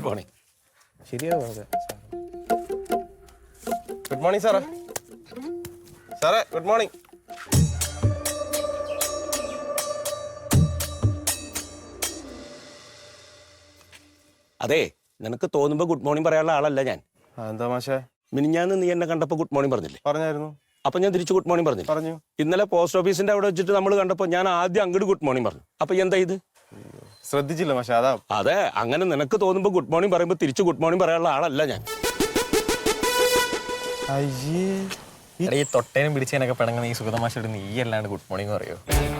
Morning. ശരിയാവും. Good morning സാറേ. സാറേ ഗുഡ് മോർണിംഗ്. അതെ, നിനക്ക് തോന്നുമ്പോ ഗുഡ് മോർണിംഗ് പറയാനുള്ള ആളല്ല ഞാൻ. എന്താ മാഷേ? മിനിഞ്ഞാന്ന് നീ എന്നെ കണ്ടപ്പോ ഗുഡ് മോർണിംഗ് പറഞ്ഞില്ലേ? പറഞ്ഞായിരുന്നു. അപ്പൊ ഞാൻ തിരിച്ചു ഗുഡ് മോർണിംഗ് പറഞ്ഞു. പറഞ്ഞു. ഇന്നലെ പോസ്റ്റ് ഓഫീസിന്റെ അവിടെ വെച്ചിട്ട് നമ്മൾ കണ്ടപ്പോ ഞാൻ ആദ്യം അങ്ങോട്ട് ഗുഡ് മോർണിംഗ് പറഞ്ഞു. അപ്പൊ എന്താ ഇത്? ശ്രദ്ധിച്ചില്ല മാഷേ, അതാ. അതെ, അങ്ങനെ നിനക്ക് തോന്നുമ്പോ ഗുഡ് മോർണിംഗ് പറയുമ്പോ തിരിച്ചു ഗുഡ് മോർണിംഗ് പറയാനുള്ള ആളല്ല ഞാൻ. ഈ തൊട്ടേനും പിടിച്ചതിനൊക്കെ പിണങ്ങുന്ന ഈ സുഗതമാശയോട് നീ അല്ലാണ്ട് ഗുഡ് മോർണിംഗ് പറയോ?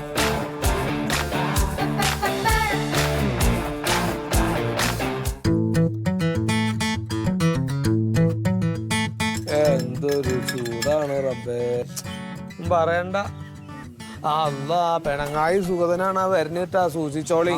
എന്തൊരു ചൂടാണ് റബ്ബേ, പറയണ്ട. അല്ല, പെണങ്ങായി സുഗതനാണ് വരുന്നിട്ടാ, സൂക്ഷിച്ചോളി.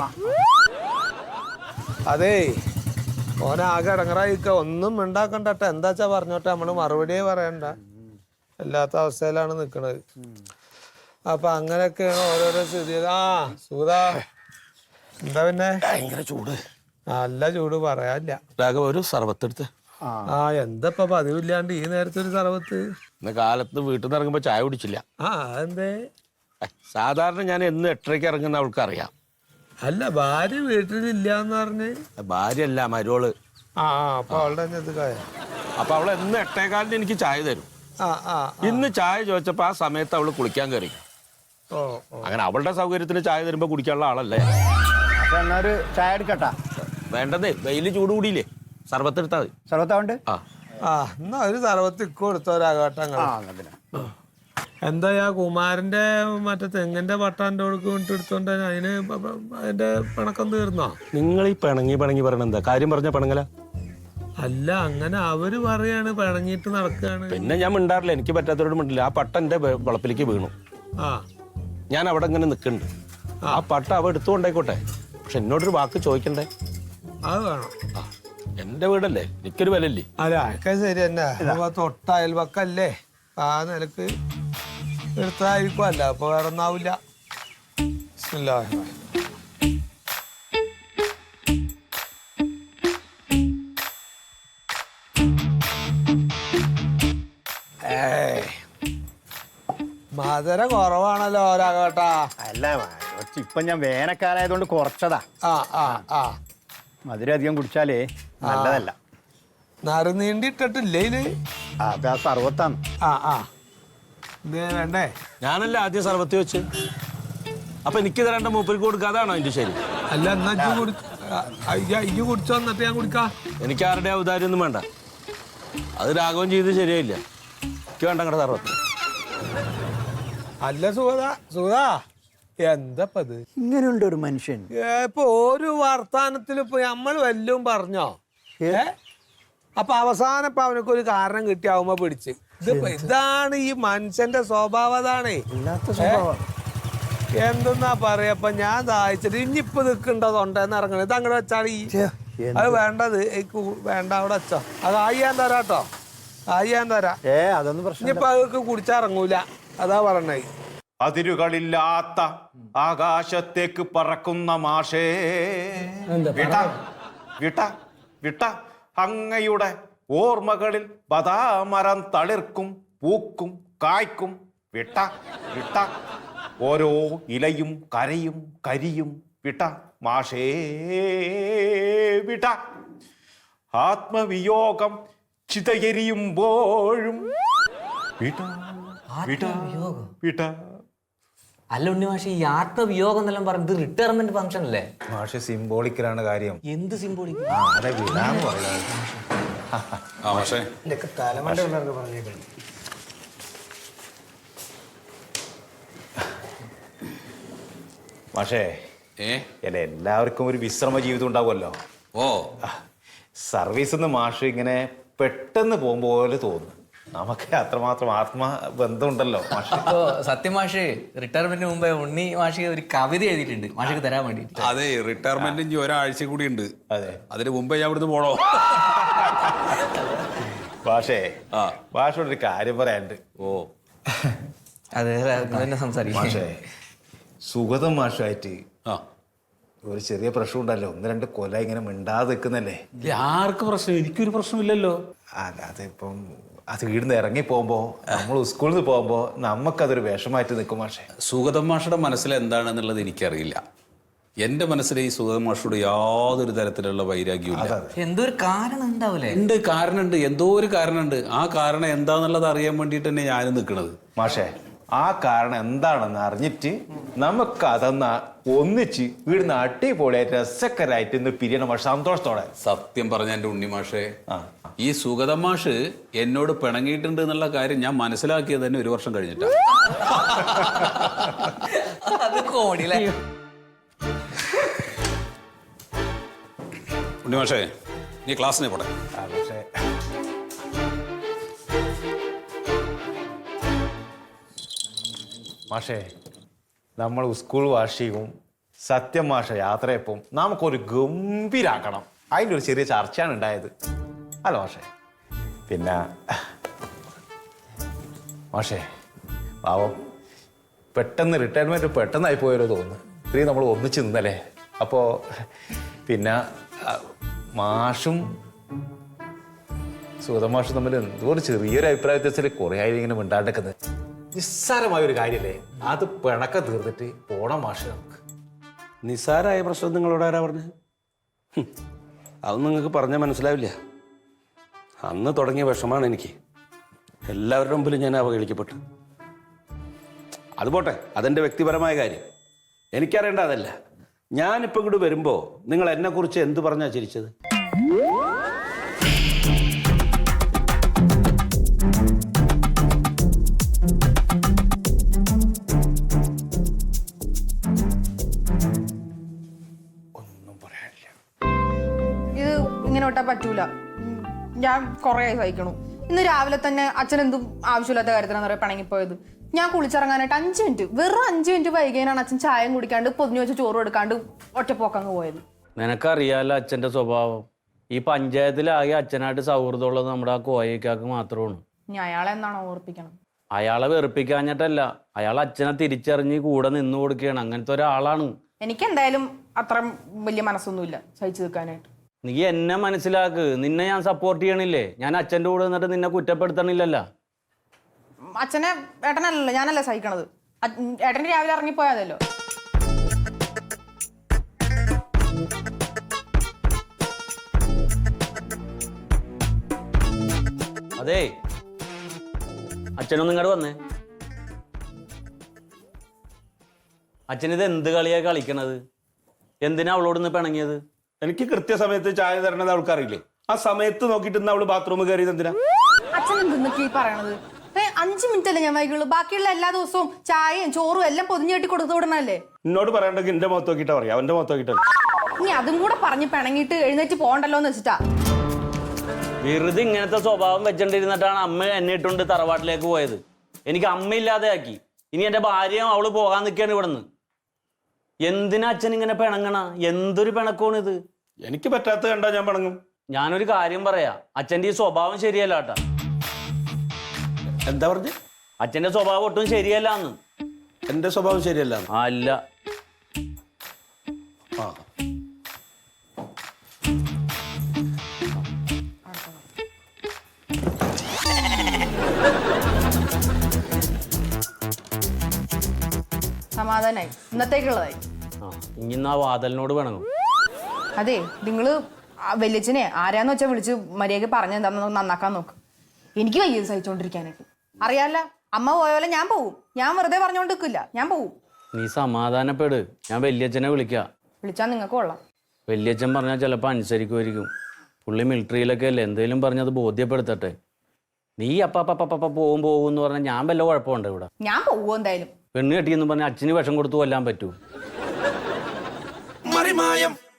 അതേ, ഓനാകെ ഇടങ്ങറായിക്ക, ഒന്നും ഉണ്ടാക്കണ്ടട്ടെ. എന്താച്ചാ പറഞ്ഞോട്ടെ, നമ്മള് മറുപടിയേ പറയണ്ട. അല്ലാത്ത അവസ്ഥയിലാണ് നിക്കണത്. അപ്പൊ അങ്ങനെയൊക്കെയാണ് ഓരോരോ സ്ഥിതി. സുഗത എന്താ പിന്നെ? ഭയങ്കര ചൂട്, നല്ല ചൂട് പറയാനില്ല. ഒരു സർവത്തെടുത്ത്. എന്താ ഇപ്പൊ പതിവില്ലാണ്ട് ഈ നേരത്തെ ഒരു സർവത്ത്? ഇന്ന് കാലത്ത് വീട്ടിൽ നിന്ന് ഇറങ്ങുമ്പോ ചായ കുടിച്ചില്ല. എന്തേ? സാധാരണ ഞാൻ എന്ന് 8:30 ഇറങ്ങുന്ന അവൾക്ക് അറിയാം. അല്ല, ഭാര്യ വീട്ടിലില്ലാന്ന് പറഞ്ഞ്? ഭാര്യയല്ല, മരോള്. അപ്പൊ അവളുടെ അപ്പൊ അവള് എന്ന് 8:15 എനിക്ക് ചായ തരും. ഇന്ന് ചായ ചോദിച്ചപ്പോ ആ സമയത്ത് അവള് കുളിക്കാൻ കയറി. അങ്ങനെ അവളുടെ സൗകര്യത്തിന് ചായ തരുമ്പോ കുടിക്കാനുള്ള ആളല്ലേ. ചായ എടുക്കട്ടാ? വേണ്ടതേ, വെയില് ചൂട് കൂടിയില്ലേ, സർബത്തെടുത്താ മതി. സർബത്താവുണ്ട്. എന്നാ ഒരു സർബത്ത് ഇക്കോ എടുത്തോരാഘട്ടങ്ങൾ. എന്താ കുമാരന്റെ മറ്റേ തെങ്ങിന്റെ പട്ടാന്റെ എടുത്തോണ്ട് അതിന് അതിന്റെ പിണക്കം തീർന്നോ? നിങ്ങൾ ഈ പിണങ്ങി പറയണ എന്താ കാര്യം? പറഞ്ഞ പിണങ്ങല അല്ല, അങ്ങനെ അവര് പറയാണ് പിണങ്ങിട്ട് നടക്കുകയാണ്. പിന്നെ ഞാൻ മിണ്ടാറില്ല, എനിക്ക് പറ്റാത്തവരോട് മിണ്ടില്ല. ആ പട്ട എന്റെ വളപ്പിലേക്ക് വീണു. ഞാൻ അവിടെ ഇങ്ങനെ നിൽക്കുന്നുണ്ട്. ആ പട്ട അവ എടുത്തുകൊണ്ടായിക്കോട്ടെ, പക്ഷെ എന്നോടൊരു വാക്ക് ചോദിക്കണ്ടേ? അത് വേണം. എന്റെ വീടല്ലേ, എനിക്കൊരു വിലല്ലേ? അല്ല, ഒക്കെ ശരി തന്നെ. തൊട്ട അയൽവക്കല്ലേ, ആ നിലക്ക് എടുത്തായിരിക്കും. അല്ല അപ്പൊ വേറെ ഒന്നാവില്ല. മധുര കുറവാണല്ലോ ഒരാകട്ടാ. അല്ല, ഇപ്പൊ ഞാൻ വേനൽക്കാലായതുകൊണ്ട് കുറച്ചതാ. മധുരം അധികം കുടിച്ചാലേ നല്ലതല്ല. നറുനീണ്ടിട്ടിട്ടില്ലേ ഇത്? അത് ആ സർവത്താണ്. വേണ്ടേ? ഞാനല്ല ആദ്യം സർവത്ത് വെച്ച്. അപ്പൊ എനിക്ക് തരേണ്ട മൂപ്പർക്ക് കൊടുക്കാതാണോ എന്റെ ശരി? അല്ല, എന്നാ ഇജ്ജ് കുടിച്ചോ, എന്നിട്ട് ഞാൻ കുടിക്കാ. എനിക്ക് ആരുടെ ഔദാര്യം ഒന്നും വേണ്ട. അത് രാഘവൻ ചെയ്ത് ശരിയായില്ല. എനിക്ക് വേണ്ട അങ്ങടെ സർവത്ത്. അല്ല സുഗത എന്തപ്പത്? ഇങ്ങനെയുണ്ട് ഒരു മനുഷ്യൻ. ഇപ്പൊ ഒരു വർത്താനത്തിൽ ഇപ്പൊ നമ്മൾ വല്ലതും പറഞ്ഞോ? അപ്പൊ അവസാനം ഇപ്പൊ അവനൊക്കെ കാരണം കിട്ടിയാവുമ്പോ പിടിച്ച്. ഇതാണ് ഈ മനുഷ്യന്റെ സ്വഭാവം. അതാണേ എന്തെന്നാ പറയപ്പ ഞാൻ ദാഹിച്ചിട്ട് ഇനിയിപ്പൊ നിൽക്കണ്ടതുണ്ടെന്ന് ഇറങ്ങണത്. ഇത് അങ്ങോട്ട് വെച്ചാൽ അത് വേണ്ടത് വേണ്ട, അവിടെ വെച്ചോ. അത് ആയിയാൻ തരാട്ടോ, ആയിയാൻ തരാം. അതൊന്നും പ്രശ്നം. ഇനിയിപ്പൊ അതൊക്കെ കുടിച്ചിറങ്ങൂല, അതാ പറഞ്ഞേ. അതിരുകളില്ലാത്ത ആകാശത്തേക്ക് പറക്കുന്ന മാഷേ, വിട്ട വിട്ട വിട്ട അങ്ങയുടെ ഓർമ്മകളിൽ ബദാമരം തളിർക്കും, പൂക്കും, കായ്ക്കും. വിട്ട വിട്ട ഓരോ ഇലയും കരയും കരിയും. വിട്ട മാഷേ, വിട്ട ആത്മവിയോഗം ചിതയെരിയുമ്പോഴും. വിട്ട വിട്ട വിട്ട. അല്ല ഉണ്ണി മാഷി, ഈ ആത്മവിയോഗം എന്നെല്ലാം പറഞ്ഞത് റിട്ടയർമെന്റ് ഫംഗ്ഷൻ അല്ലേ? മാഷെ സിംബോളിക്കലാണ് കാര്യം. എന്ത് സിംബോളിക്? അതെ, വിടാന്ന് പറയാം. മാഷേ, എല്ലാവർക്കും ഒരു വിശ്രമ ജീവിതം ഉണ്ടാവുമല്ലോ. സർവീസിന്ന് മാഷ് ഇങ്ങനെ പെട്ടെന്ന് പോകുമ്പോ പോലെ തോന്നുന്നു. നമുക്ക് അത്രമാത്രം ആത്മബന്ധമുണ്ടല്ലോ മാഷ്. സത്യം മാഷ്, റിട്ടയർമെന്റിന് മുമ്പേ ഉണ്ണി മാഷി ഒരു കവിത എഴുതിയിട്ടുണ്ട് മാഷിക്ക് തരാൻ വേണ്ടിട്ട്. അതെ, റിട്ടയർമെന്റ് ഇനി ഒരാഴ്ച കൂടി ഉണ്ട്. അതെ, അതിന് മുമ്പേ ഞാൻ ഇവിടുന്ന് പോണോ? മാഷേ, മാഷോടൊരു കാര്യം പറയാനുണ്ട്. അതെ, സംസാരിക്കും. മാഷേ, സുഗതം മാഷായിട്ട് ഒരു ചെറിയ പ്രശ്നം ഉണ്ടല്ലോ, 1-2 കൊല്ലം ഇങ്ങനെ മിണ്ടാതെ നിൽക്കുന്നല്ലേ. ആർക്ക് പ്രശ്നം? എനിക്കൊരു പ്രശ്നമില്ലല്ലോ. അതിപ്പം അത് വീടിന്ന് ഇറങ്ങി പോകുമ്പോ, നമ്മൾ സ്കൂളിൽ നിന്ന് പോകുമ്പോ നമുക്കതൊരു വിഷമായിട്ട് നിൽക്കും മാഷെ. സുഗതം മാഷയുടെ മനസ്സിൽ എന്താണെന്നുള്ളത് എനിക്കറിയില്ല. എന്റെ മനസ്സിൽ ഈ സുഗതം മാഷോട് യാതൊരു തരത്തിലുള്ള വൈരാഗ്യവും എന്തോ ഒരു കാരണം ഉണ്ടാവൂലേ? ഉണ്ട്, കാരണമുണ്ട്, എന്തോ ഒരു കാരണമുണ്ട്. ആ കാരണം എന്താന്നുള്ളത് അറിയാൻ വേണ്ടിയിട്ട് തന്നെ ഞാനും നിൽക്കുന്നത്. മാഷെ, ആ കാരണം എന്താണെന്ന് അറിഞ്ഞിട്ട് നമുക്കതൊന്ന് ഒന്നിച്ച് വീടിന്ന് അടിപൊളിയായിട്ട് രസക്കരായിട്ട് ഇന്ന് പിരിയണം മാഷെ, സന്തോഷത്തോടെ. സത്യം പറഞ്ഞ എൻ്റെ ഉണ്ണിമാഷെ, ഈ സുഗതം മാഷ് എന്നോട് പിണങ്ങിയിട്ടുണ്ട് എന്നുള്ള കാര്യം ഞാൻ മനസ്സിലാക്കിയത് തന്നെ 1 വർഷം കഴിഞ്ഞിട്ടാണ്. ഉണ്ണിമാഷേ, നീ ക്ലാസ്സിനെ പോട്ടെ. പക്ഷേ മാഷേ, നമ്മൾ സ്കൂൾ വാർഷികവും സത്യം മാഷ യാത്രയപ്പം നമുക്കൊരു ഗംഭീരാക്കണം. അതിൻ്റെ ഒരു ചെറിയ ചർച്ചയാണ് ഉണ്ടായത്. അല്ല മാഷേ, പിന്നെ മാഷേ പാവം പെട്ടെന്ന് റിട്ടയർമെൻറ്റ് പെട്ടെന്നായി പോയാലോ തോന്നുന്നു. ഇത്രയും നമ്മൾ ഒന്നിച്ച് നിന്നല്ലേ. അപ്പോൾ പിന്നെ മാഷും സുഗതമാഷും തമ്മിൽ എന്തോ ഒരു ചെറിയൊരു അഭിപ്രായ വ്യത്യാസത്തിൽ കുറേ ആയി ഇങ്ങനെ മിണ്ടാണ്ടെക്കുന്നത്. നിസ്സാരമായ ഒരു കാര്യമല്ലേ, അത് പിണക്കം തീർന്നിട്ട് പോണം മാഷ്. നമുക്ക് നിസ്സാരമായ പ്രശ്നം നിങ്ങളോട് ആരാ പറഞ്ഞത്? അതൊന്നും നിങ്ങൾക്ക് പറഞ്ഞാൽ മനസ്സിലാവില്ല. അന്ന് തുടങ്ങിയ വിഷമാണ് എനിക്ക്. എല്ലാവരുടെ മുമ്പിലും ഞാൻ അവഹേളിക്കപ്പെട്ടു. അത് പോട്ടെ, അതെൻ്റെ വ്യക്തിപരമായ കാര്യം. എനിക്കറിയേണ്ട അതല്ല. ഞാനിപ്പോൾ ഇങ്ങോട്ട് വരുമ്പോൾ നിങ്ങൾ എന്നെക്കുറിച്ച് എന്ത് പറഞ്ഞാ ചിരിച്ചത്? ഇത് ഇങ്ങനെ വിട്ടാൽ പറ്റൂല. ഞാൻ കുറേ സഹിക്കണു. ഇന്ന് രാവിലെ തന്നെ അച്ഛൻ എന്തും ആവശ്യമില്ലാത്ത കാര്യത്തിനാണ് പറയാ പിണങ്ങിപ്പോയത്. ഞാൻ കുളിച്ചിറങ്ങാനായിട്ട് 5 മിനിറ്റ്, വെറും 5 മിനിറ്റ് വൈകിയാണ് അച്ഛൻ ചായം കുടിക്കാണ്ട് പൊതിഞ്ഞു വെച്ച് ചോറ് എടുക്കാണ്ട് ഒറ്റപ്പോക്കങ്ങ് പോയത്. നിനക്കറിയാലോ അച്ഛൻ്റെ സ്വഭാവം. ഈ പഞ്ചായത്തിലാകെ അച്ഛനായിട്ട് സൗഹൃദമുള്ളത് നമ്മുടെ ആ കോയക്കാക്ക് മാത്രമാണ്. ഇനി അയാളെ എന്നാണോ ഓർപ്പിക്കണം? അയാളെ വെറുപ്പിക്കാഞ്ഞിട്ടല്ല, അയാൾ അച്ഛനെ തിരിച്ചറിഞ്ഞ് കൂടെ നിന്നു കൊടുക്കുകയാണ്. അങ്ങനത്തെ ഒരാളാണ്. എനിക്ക് എന്തായാലും അത്ര വലിയ മനസ്സൊന്നുമില്ല സഹിച്ചു നിൽക്കാനായിട്ട്. നീ എന്നെ മനസ്സിലാക്ക്. നിന്നെ ഞാൻ സപ്പോർട്ട് ചെയ്യണില്ലേ? ഞാൻ അച്ഛൻ്റെ കൂടെ നിന്നിട്ട് നിന്നെ കുറ്റപ്പെടുത്തണില്ലല്ലോ. അച്ഛനെ ഏട്ടനല്ലല്ലോ, ഞാനല്ലേ സഹിക്കണത്. ഏട്ടന് രാവിലെ ഇറങ്ങിപ്പോയാതല്ലോ. അതെ, അച്ഛനൊന്നും ഇങ്ങോട്ട് വന്നേ. അച്ഛനിത് എന്ത് കളിയാ കളിക്കണത്? എന്തിനാ അവളോട് നിന്ന് പിണങ്ങിയത്? എനിക്ക് കൃത്യസമയത്ത് ചായ തരണത് അവൾക്കറിയില്ലേ? ആ സമയത്ത് നോക്കിയിട്ട് അവള് ബാത്റൂമിൽ കയറിയത് എന്തിനാ? അച്ഛൻ എന്തൊക്കെ ഈ പറയണത്? 5 മിനിറ്റ് അല്ലേ ഞാൻ വൈകുള്ളൂ. ബാക്കിയുള്ള എല്ലാ ദിവസവും ചായയും ചോറും എല്ലാം പൊതിഞ്ഞു കെട്ടി കൊടുത്തു വിടണല്ലേ. എന്നോട് പറയണ്ടെങ്കിൽ എന്റെ മുഖത്ത് നോക്കിയിട്ടാ പറയാം, അവന്റെ മുഖത്ത് നോക്കിയിട്ടല്ല. ഇനി അതും കൂടെ പറഞ്ഞ് പിണങ്ങിയിട്ട് എഴുന്നേറ്റ് പോകണ്ടല്ലോ എന്ന് വെച്ചിട്ടാ. വെറുതെ ഇങ്ങനത്തെ സ്വഭാവം വെച്ചോണ്ടിരുന്നിട്ടാണ് അമ്മ എന്നെ ഇട്ടുകൊണ്ട് തറവാട്ടിലേക്ക് പോയത്. എനിക്ക് അമ്മയില്ലാതെ ആക്കി. ഇനി എന്റെ ഭാര്യയും അവള് പോകാൻ നിൽക്കുകയാണ് ഇവിടെ നിന്ന്. എന്തിനാ അച്ഛൻ ഇങ്ങനെ പിണങ്ങണ? എന്തൊരു പിണക്കമാണ് ഇത്? എനിക്ക് പറ്റാത്ത കണ്ടാ ഞാൻ പിണങ്ങും. ഞാനൊരു കാര്യം പറയാ, അച്ഛൻ്റെ ഈ സ്വഭാവം ശരിയല്ല കേട്ടാ. എന്താ പറഞ്ഞ്? അച്ഛൻ്റെ സ്വഭാവം ഒട്ടും ശരിയല്ല എന്ന്. എന്റെ സ്വഭാവം ശരിയല്ല? അല്ല. ആ, സമാധാനായി, ഇന്നത്തേക്കുള്ളതായി. ഇനി ആ വാതലിനോട് പിണങ്ങും. അതെ, നിങ്ങള് വല്യച്ഛനെ ആരാന്ന് വെച്ചാൽ വിളിച്ച് മര്യാദക്ക് പറഞ്ഞ എന്താന്ന് നന്നാക്കാൻ നോക്ക്. എനിക്ക് വയ്യ സഹിച്ചോണ്ടിരിക്കാനായിട്ട്. അറിയാല്ല, അമ്മ പോയപോലെ ഞാൻ പോവും. ഞാൻ വെറുതെ പറഞ്ഞോണ്ട് നിൽക്കില്ല, ഞാൻ പോവും. നീ സമാധാനപ്പെട്. ഞാൻ വല്യച്ഛനെ വിളിക്കാം. വിളിച്ചാൽ നിങ്ങൾക്ക് കൊള്ളാം. വല്യച്ഛൻ പറഞ്ഞാൽ ചിലപ്പോൾ അനുസരിക്കുമായിരിക്കും. പുള്ളി മിലിറ്ററിയിലൊക്കെ അല്ലേ, എന്തെങ്കിലും പറഞ്ഞത് ബോധ്യപ്പെടുത്തട്ടെ. നീ അപ്പ പോകും എന്ന് പറഞ്ഞാൽ ഞാൻ വല്ല കുഴപ്പമുണ്ട് ഇവിടെ? ഞാൻ പോവോ എന്തായാലും. പെണ്ണ് കെട്ടിയെന്ന് പറഞ്ഞാൽ അച്ഛന് വിഷം കൊടുത്തു കൊല്ലാൻ പറ്റൂ?